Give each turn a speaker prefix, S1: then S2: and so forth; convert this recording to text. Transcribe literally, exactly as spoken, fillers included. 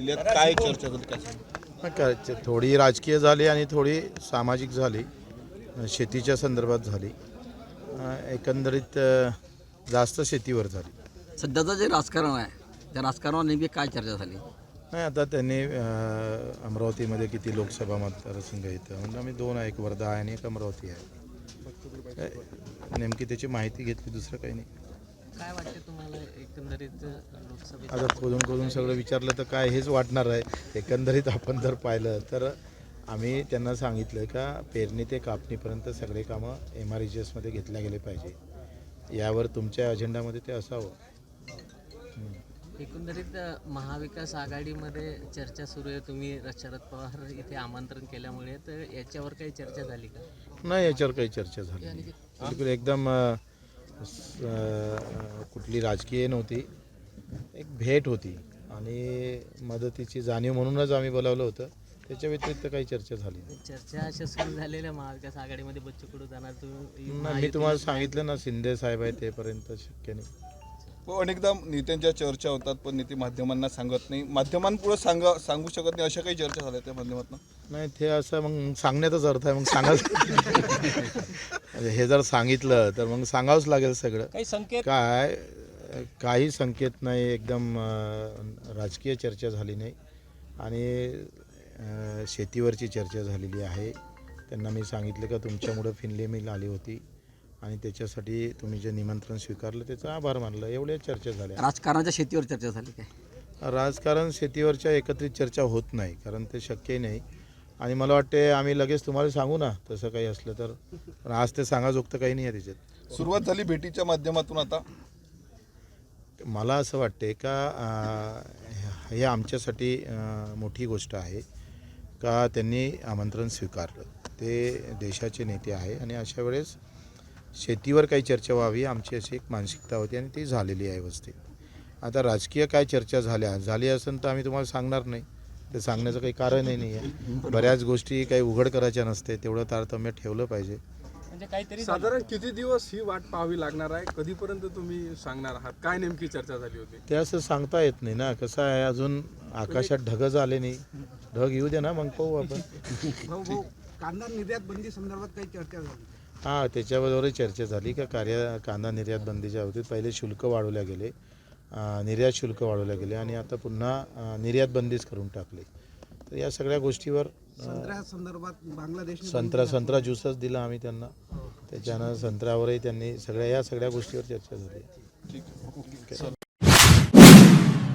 S1: जिल्ह्यात काय चर्चा झाली काय सांगा?
S2: नाही काय च- थोडी राजकीय झाली आणि थोडी सामाजिक झाली, शेतीच्या संदर्भात झाली. अ, एकंदरीत अ, जास्त शेतीवर झाली.
S3: सध्याचं जे राजकारण आहे त्या राजकारणावर नेमकी काय चर्चा झाली?
S2: नाही आता त्यांनी अ, अमरावतीमध्ये किती लोकसभा मतदारसंघ येतं म्हणजे आम्ही दोन आहे, एक वर्धा आहे आणि एक अमरावती आहे. काय, नेमकी त्याची माहिती घेतली, दुसरं काही नाही.
S4: काय वाटते तुम्हाला एकंदरीत लोकसभेत?
S2: आता खोदून खोदून सगळं विचारलं तर काय हेच वाटणार आहे. एकंदरीत आपण जर पाहिलं तर आम्ही त्यांना सांगितलं का पेरणी ते कापणीपर्यंत सगळे कामं एम आर ई जी एसमध्ये घेतल्या गेले पाहिजे. यावर तुमच्या अजेंडामध्ये ते असावं.
S4: एकंदरीत महाविकास आघाडीमध्ये चर्चा सुरू आहे. तुम्ही शरद पवार इथे आमंत्रण केल्यामुळे तर याच्यावर काही चर्चा झाली का?
S2: नाही, याच्यावर काही चर्चा झाली नाही. बिलकुल एकदम अ, स- अ, कुठली राजकीय नव्हती, एक भेट होती आणि मदतीची जाणीव म्हणूनच आम्ही बोलावलं होतं. त्याच्या व्यतिरिक्त काही चर्चा झाली नाही.
S4: चर्चा अशा सुरू झालेल्या महाविकास आघाडीमध्ये बच्चू कडू जाणार तुम्ही
S2: नाही, मी तुम्हाला सांगितलं ना, शिंदे साहेब आहे तेपर्यंत शक्य नाही.
S1: हो, अनेकदा नेत्यांच्या चर्चा होतात पण नेते माध्यमांना सांगत नाही, माध्यमांपुढे सांगा सांगू शकत नाही, अशा काही चर्चा झाल्या त्या माध्यमातून?
S2: नाही, ते असं मग सांगण्याचाच अर्थ आहे. मग सांगायचं म्हणजे हे जर सांगितलं तर मग सांगावंच लागेल सगळं.
S4: काही संकेत
S2: काय काही संकेत नाही, एकदम अं, राजकीय चर्चा झाली नाही आणि अं, शेतीवरची चर्चा झालेली आहे. त्यांना मी सांगितलं का तुमच्यामुळं फिनले मिल आली होती आणि त्याच्यासाठी तुम्ही जे निमंत्रण स्वीकारलं त्याचा आभार मानलं. एवढ्या चर्चा झाल्या.
S3: राजकारणाच्या शेतीवर चर्चा झाली काय?
S2: राजकारण शेतीवरच्या एकत्रित चर्चा होत नाही, कारण ते शक्यही नाही. आणि मला वाटते आम्ही लगेच तुम्हाला सांगू ना तसं काही असलं तर, पण आज ते सांगाजोगतं काही नाही आहे त्याच्यात.
S1: सुरुवात झाली भेटीच्या माध्यमातून. आता
S2: मला असं वाटते का अं, हे आमच्यासाठी अं, मोठी गोष्ट आहे का त्यांनी आमंत्रण स्वीकारलं. ते देशाचे नेते आहे आणि अशा वेळेस शेतीवर काही चर्चा व्हावी अशी अशी एक मानसिकता होती आणि ती झालेली आहे व्यवस्थित. आता राजकीय काय चर्चा झाल्या झाली असेल तर आम्ही तुम्हाला सांगणार नाही, ते सांगण्याचं काही कारणही नाही आहे. बऱ्याच गोष्टी काही उघड करायच्या नसते, तेवढं तारतम्य ठेवलं पाहिजे.
S4: म्हणजे काहीतरी
S5: साधारण किती दिवस ही वाट पाहावी लागणार आहे? कधीपर्यंत तुम्ही सांगणार आहात? काय नेमकी चर्चा झाली होती?
S2: ते असं सांगता येत नाही ना. कसं आहे, अजून आकाशात ढगच आले नाही. ढग येऊ दे ना, मग पाहू आपण.
S6: भाऊ भाऊ कांदा निर्यात बंदी संदर्भात काही चर्चा झाली?
S2: हां, त्याच्याबरोबरही चर्चा झाली का कार्य कांदा निर्यात बंदीच्या बाबतीत पहिले शुल्क वाढवल्या गेले, अं, निर्यात शुल्क वाढवल्या गेले आणि आता पुन्हा अं, निर्यात बंदीच करून टाकली. तर या सगळ्या गोष्टीवर
S6: संत्र्या संदर्भात बांगलादेश
S2: संत्रा संत्रा ज्यूसच दिला आम्ही त्यांना. त्याच्यानं संत्र्यावरही त्यांनी सगळ्या या सगळ्या गोष्टीवर चर्चा झाली.
S1: ठीक आहे.